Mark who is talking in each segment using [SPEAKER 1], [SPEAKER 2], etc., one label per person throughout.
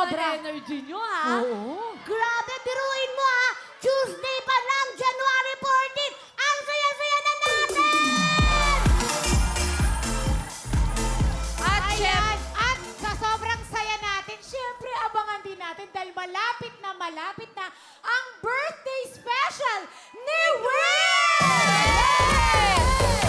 [SPEAKER 1] Sobra.
[SPEAKER 2] energy nyo, ha?
[SPEAKER 1] Oo.
[SPEAKER 3] Grabe, biruin mo ha! Tuesday pa lang, January 14! Ang saya-saya na natin!
[SPEAKER 1] At sa sobrang saya natin, syempre abangan din natin dahil malapit na ang birthday special ni Will!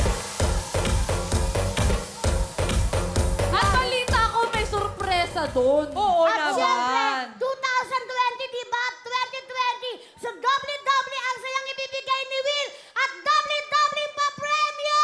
[SPEAKER 2] At balita ko may sorpresa doon.
[SPEAKER 4] Oo
[SPEAKER 3] At syempre,
[SPEAKER 4] naman.
[SPEAKER 3] 2020, di ba? 2020, so doble-doble ang sayang ibibigay ni Will at doble-doble pa premyo!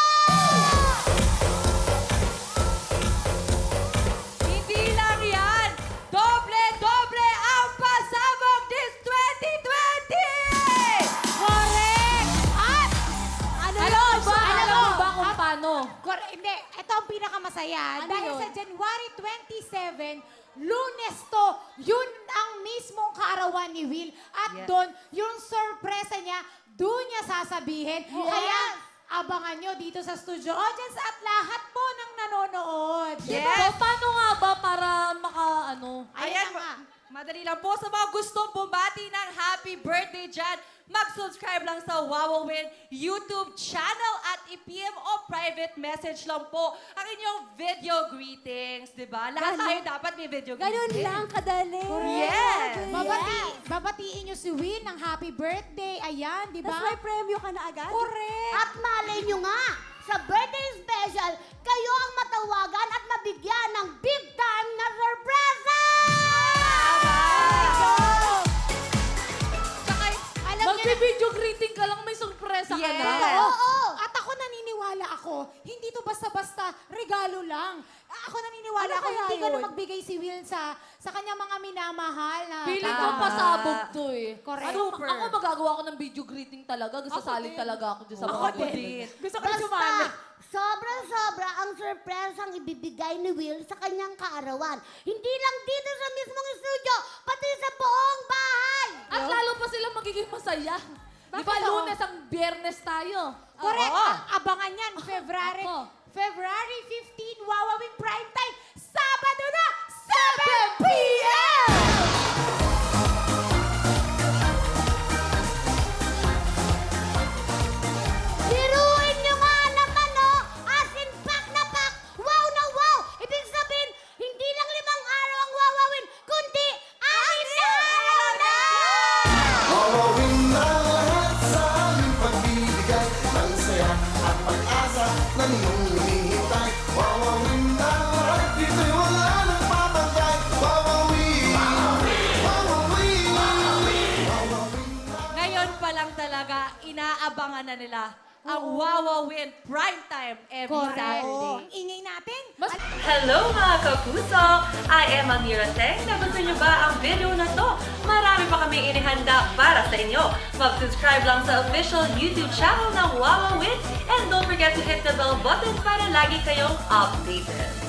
[SPEAKER 4] Hindi lang yan. Doble-doble ang pasabog this 2020!
[SPEAKER 1] Correct! At ano
[SPEAKER 2] Alam mo ba?
[SPEAKER 1] alam
[SPEAKER 2] Alam mo
[SPEAKER 1] mo,
[SPEAKER 2] ba kung paano?
[SPEAKER 1] Hindi, ito ang pinakamasaya.
[SPEAKER 2] Ano
[SPEAKER 1] dahil
[SPEAKER 2] yun?
[SPEAKER 1] sa January 27, Lunes to, yun ang mismong kaarawan ni Will. At
[SPEAKER 4] Yes.
[SPEAKER 1] doon, yung sorpresa niya, doon niya sasabihin. Kaya, abangan nyo dito sa studio audience at lahat po ng nanonood.
[SPEAKER 4] Yes.
[SPEAKER 2] So, paano nga ba para ano?
[SPEAKER 1] Ayan
[SPEAKER 4] Ayan,
[SPEAKER 1] na nga.
[SPEAKER 4] madali lang po sa mga gustong bumati ng happy birthday dyan. Mag-subscribe lang sa Wowowin YouTube channel at i-PM o private message lang po ang inyong video greetings, di ba? Lahat tayo dapat may video greetings.
[SPEAKER 5] kadali.
[SPEAKER 4] Yes!
[SPEAKER 1] Babatiin nyo si Will ng happy birthday. Ayan, di ba?
[SPEAKER 5] Tapos may premyo ka na agad?
[SPEAKER 1] Correct.
[SPEAKER 3] At malay nyo nga, sa birthday special, kayo ang matawagan at mabigyan ng big time na sorpresa!
[SPEAKER 1] Tsaka, alam niyo na,
[SPEAKER 2] Magbe-video greeting ka lang, may sorpresa ka
[SPEAKER 4] Yes.
[SPEAKER 2] na.
[SPEAKER 1] oo. At ako naniniwala ako, hindi to basta-basta regalo lang. Ako naniniwala
[SPEAKER 5] Ano
[SPEAKER 1] ako,
[SPEAKER 5] kaya
[SPEAKER 1] hindi ganun
[SPEAKER 5] yun?
[SPEAKER 1] magbigay si Will sa kanyang mga minamahal na
[SPEAKER 2] Feeling ko
[SPEAKER 1] tao.
[SPEAKER 2] pasabog to eh.
[SPEAKER 1] Correct.
[SPEAKER 4] Super.
[SPEAKER 2] Ako magagawa ko ng video greeting talaga. Sasaling talaga ako dyan sa mga
[SPEAKER 4] Ako din.
[SPEAKER 2] Gusto
[SPEAKER 3] Basta, sobra-sobra ang surpresang ibibigay ni Will sa kanyang kaarawan. Hindi lang dito sa mismong studio, pati sa buong bahay!
[SPEAKER 2] At lalo pa sila magiging masaya. Di ba,
[SPEAKER 1] Bakit?
[SPEAKER 2] Lunes ang Biyernes tayo.
[SPEAKER 1] Correct.
[SPEAKER 4] Oo.
[SPEAKER 1] Abangan yan, February.
[SPEAKER 2] Ako.
[SPEAKER 1] February 15, Wowowin Prime Time. Sabado na, 7 p.m.
[SPEAKER 3] Biruin nyo nga naman, no? As in, pack na pack! Wow na wow! Ibig sabihin, hindi lang 5 araw ang wawawin, kundi 6 na araw na!
[SPEAKER 6] Wawawin na lahat sa aming pagbibigay ng saya at pag-asa na ninyong hinihintay. Wawawin na lahat, dito'y wala nang papagay. Wawawin! Wawawin! Wawawin na.
[SPEAKER 4] Ngayon pa lang talaga, inaabangan na nila ang Wowowin Primetime every Saturday.
[SPEAKER 1] Ang ingay natin.
[SPEAKER 7] Hello mga kapuso! I am Amira Teng. Nagustuhan niyo ba ang video na to? Marami pa kami inihanda para sa inyo. Mag-subscribe lang sa official YouTube channel ng Wowowin and don't forget to hit the bell button para lagi kayong updated.